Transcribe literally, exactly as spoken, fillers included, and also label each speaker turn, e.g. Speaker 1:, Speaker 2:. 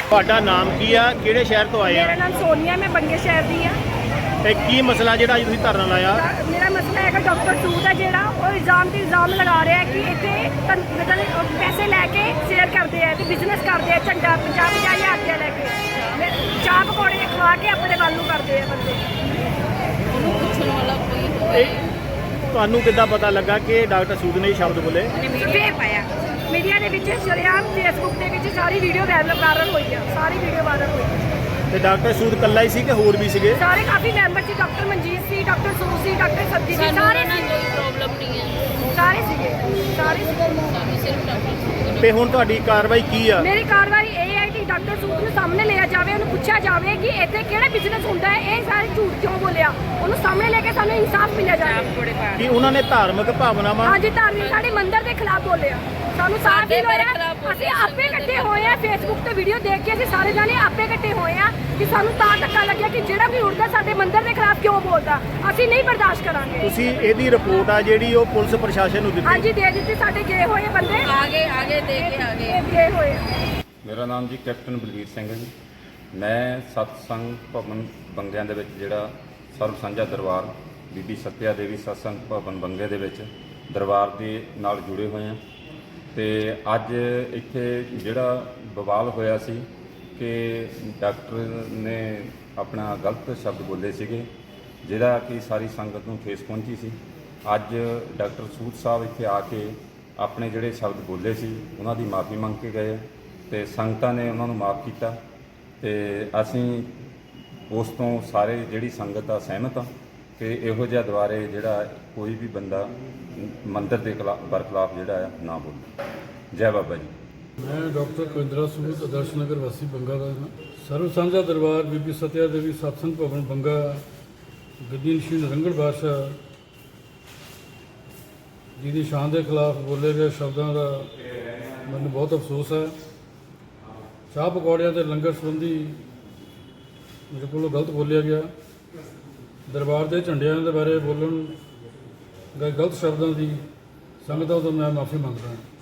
Speaker 1: ਤੁਹਾਡਾ ਨਾਮ ਕੀ ਆ, ਕਿਹੜੇ ਸ਼ਹਿਰ ਤੋਂ ਆਏ ਆ?
Speaker 2: ਮੇਰਾ ਨਾਮ ਸੋਨੀਆ, ਮੈਂ ਬੰਗੇ ਸ਼ਹਿਰ ਦੀ ਆ।
Speaker 1: ਤੇ ਕੀ ਮਸਲਾ ਜਿਹੜਾ ਅੱਜ ਤੁਸੀਂ ਧਰਨਾ ਲਾਇਆ?
Speaker 2: ਮੇਰਾ ਮਸਲਾ ਹੈਗਾ ਡਾਕਟਰ ਸੂਦ ਹੈ ਜਿਹੜਾ ਉਹ ਇਲਜ਼ਾਮ ਤੇ ਇਲਜ਼ਾਮ ਲਗਾ ਰਿਹਾ ਹੈ ਕਿ ਇੱਥੇ ਤਨ- ਮਤਲਬ ਪੈਸੇ ਲੈ ਕੇ ਸੇਲ ਕਰਦੇ ਆ ਤੇ ਬਿਜ਼ਨਸ ਕਰਦੇ ਆ, ਝੰਡਾ ਪੰਜਾਹ ਪੰਜਾਹ ਹਜ਼ਾਰ ਰੁਪਇਆ ਲੈ ਕੇ ਮੈਂ ਚਾਹ ਪਕੌੜੇ ਖਵਾ ਕੇ ਆਪਣੇ ਵੱਲ ਨੂੰ ਕਰਦੇ ਆ ਬੰਦੇ।
Speaker 1: ਇਹ ਤੁਹਾਨੂੰ ਕਿੱਦਾਂ ਪਤਾ ਲੱਗਾ ਕਿ ਡਾਕਟਰ ਸੂਦ ਨੇ ਇਹ ਸ਼ਬਦ ਬੋਲੇ?
Speaker 2: ਮੀਡੀਆ ਪਾਇਆ, ਮੀਡੀਆ ਦੇ ਵਿੱਚ ਸ਼ਰੇਆਮ ਫੇਸਬੁੱਕ ਦੇ ਵਿੱਚ ਸਾਰੀ ਵੀਡੀਓ ਵਾਇਰਲ ਹੋਈ ਆ, ਸਾਰੀ ਵੀਡੀਓ ਵਾਇਰਲ ਹੋਈ।
Speaker 1: ਤੇ ਡਾਕਟਰ ਸੂਦ ਇਕੱਲਾ ਹੀ ਸੀ ਕਿ ਹੋਰ ਵੀ ਸੀਗੇ?
Speaker 2: ਸਾਰੇ ਕਾਫੀ ਮੈਂਬਰ ਸੀ, ਡਾਕਟਰ ਮਨਜੀਤ ਸੀ, ਡਾਕਟਰ ਸੂਦ ਸੀ, ਡਾਕਟਰ ਸਬਜੀ ਸੀ, ਸਾਰੇ
Speaker 3: ਨਾਲ ਕੋਈ ਪ੍ਰੋਬਲਮ ਨਹੀਂ ਹੈ,
Speaker 2: ਸਾਰੇ ਸੀਗੇ, ਸਾਰੇ ਸੀਗੇ।
Speaker 3: ਸਾਨੂੰ ਸਿਰਫ ਡਾਕਟਰ ਸੂਦ
Speaker 1: ਤੇ ਹੁਣ ਤੁਹਾਡੀ ਕਾਰਵਾਈ ਕੀ ਆ?
Speaker 2: ਮੇਰੀ ਕਾਰਵਾਈ ਇਹ ਹੈ ਕਿ ਡਾਕਟਰ ਸੂਦ ਨੂੰ ਸਾਹਮਣੇ ਲਿਆ ਜਾਵੇ, ਉਹਨੂੰ ਪੁੱਛਿਆ ਜਾਵੇ ਕਿ ਇੱਥੇ ਕਿਹੜਾ ਬਿਜ਼ਨਸ ਹੁੰਦਾ ਹੈ, ਇਹ ਸਾਰੇ ਝੂਠ ਕਿਉਂ ਬੋਲਿਆ, ਉਹਨੂੰ ਸਾਹਮਣੇ ਲੈ ਕੇ ਸਾਨੂੰ ਇਨਸਾਫ ਮਿਲਿਆ ਜਾਵੇ।
Speaker 1: ਕਿ ਉਹਨਾਂ ਨੇ ਧਾਰਮਿਕ ਭਾਵਨਾਵਾਂ
Speaker 2: ਹਾਂਜੀ, ਧਾਰਮਿਕ ਸਾਡੇ ਮੰਦਿਰ ਦੇ ਖਿਲਾਫ ਬੋਲਿਆ, ਸਾਨੂੰ ਸਾਫ਼ ਹੀ ਹੋਇਆ। ਅਸੀਂ ਆਪੇ ਇਕੱਠੇ ਹੋਏ ਆ, ਫੇਸਬੁੱਕ ਤੇ ਵੀਡੀਓ ਦੇਖ ਕੇ ਅਸੀਂ ਸਾਰੇ ਜਾਣੇ ਆਪੇ ਇਕੱਠੇ ਹੋਏ ਆ ਕਿ ਸਾਨੂੰ ਤਾਂ ਧੱਕਾ ਲੱਗਿਆ ਕਿ ਜਿਹੜਾ ਵੀ ਉੜਦਾ ਸਾਡੇ ਮੰਦਿਰ ਦੇ ਖਿਲਾਫ ਕਿਉਂ ਬੋਲਦਾ, ਅਸੀਂ ਨਹੀਂ ਬਰਦਾਸ਼ਤ ਕਰਾਂਗੇ।
Speaker 1: ਤੁਸੀਂ ਇਹਦੀ ਰਿਪੋਰਟ ਆ ਜਿਹੜੀ ਉਹ ਪੁਲਿਸ ਪ੍ਰਸ਼ਾਸਨ ਨੂੰ ਦਿੱਤੀ?
Speaker 2: ਹਾਂਜੀ, ਦੇ ਦਿੱਤੀ। ਸਾਡੇ ਗਏ ਹੋਏ ਬੰਦੇ
Speaker 3: ਆਗੇ ਆਗੇ ਦੇ ਕੇ ਆਗੇ
Speaker 2: ਇਹ ਗਏ ਹੋਏ ਆ।
Speaker 4: ਮੇਰਾ ਨਾਮ ਜੀ ਕੈਪਟਨ ਬਲਵੀਰ ਸਿੰਘ ਹੈ ਜੀ। ਮੈਂ ਸਤਸੰਗ ਭਵਨ ਬੰਗਿਆਂ ਦੇ ਵਿੱਚ ਜਿਹੜਾ ਸਰਬ ਸਾਂਝਾ ਦਰਬਾਰ ਬੀਬੀ ਸੱਤਿਆ ਦੇਵੀ ਸਤਸੰਗ ਭਵਨ ਬੰਗੇ ਦੇ ਵਿੱਚ ਦਰਬਾਰ ਦੇ ਨਾਲ ਜੁੜੇ ਹੋਏ ਹਾਂ। ਤੇ ਅੱਜ ਇੱਥੇ ਜਿਹੜਾ ਬਵਾਲ ਹੋਇਆ ਸੀ ਕਿ ਡਾਕਟਰ ਨੇ ਆਪਣਾ ਗਲਤ ਸ਼ਬਦ ਬੋਲੇ ਸੀਗੇ, ਜਿਹਦਾ ਕਿ ਸਾਰੀ ਸੰਗਤ ਨੂੰ ਠੇਸ ਪਹੁੰਚੀ ਸੀ। ਅੱਜ ਡਾਕਟਰ ਸੂਦ ਸਾਹਿਬ ਇੱਥੇ ਆ ਕੇ ਆਪਣੇ ਜਿਹੜੇ ਸ਼ਬਦ ਬੋਲੇ ਸੀ ਉਹਨਾਂ ਦੀ ਮਾਫੀ ਮੰਗ ਕੇ ਗਏ ਤੇ ਸੰਗਤਾਂ ਨੇ ਉਹਨਾਂ ਨੂੰ ਮਾਫ ਕੀਤਾ। ਤੇ ਅਸੀਂ ਉਸ ਤੋਂ ਸਾਰੇ ਜਿਹੜੀ ਸੰਗਤ ਆ ਸਹਿਮਤ ਆ ਕਿ ਇਹੋ ਜਿਹਾ ਦੁਆਰੇ ਜਿਹੜਾ ਕੋਈ ਵੀ ਬੰਦਾ ਮੰਦਿਰ ਦੇ ਖਿਲਾਫ ਬਰਖਲਾਫ ਜਿਹੜਾ ਆ ਨਾ ਬੋਲੇ। ਜੈ ਬਾਬਾ ਜੀ।
Speaker 5: मैं डॉक्टर कुंदरा सूद आदर्श नगर वासी बंगा का हाँ। सर्व साझा दरबार बीबी सत्या देवी सत्संग भवन बंगा गद्दी श्री नरंगड़ बादशाह जी की शान के खिलाफ बोले गए शब्दों का मैंने बहुत अफसोस है। चाह पकौड़िया के लंगर संबंधी मेरे को गलत बोलिया गया, दरबार के झंडिया के बारे बोलन गए गलत शब्दों की संगतों तो मैं माफ़ी मंग रहा।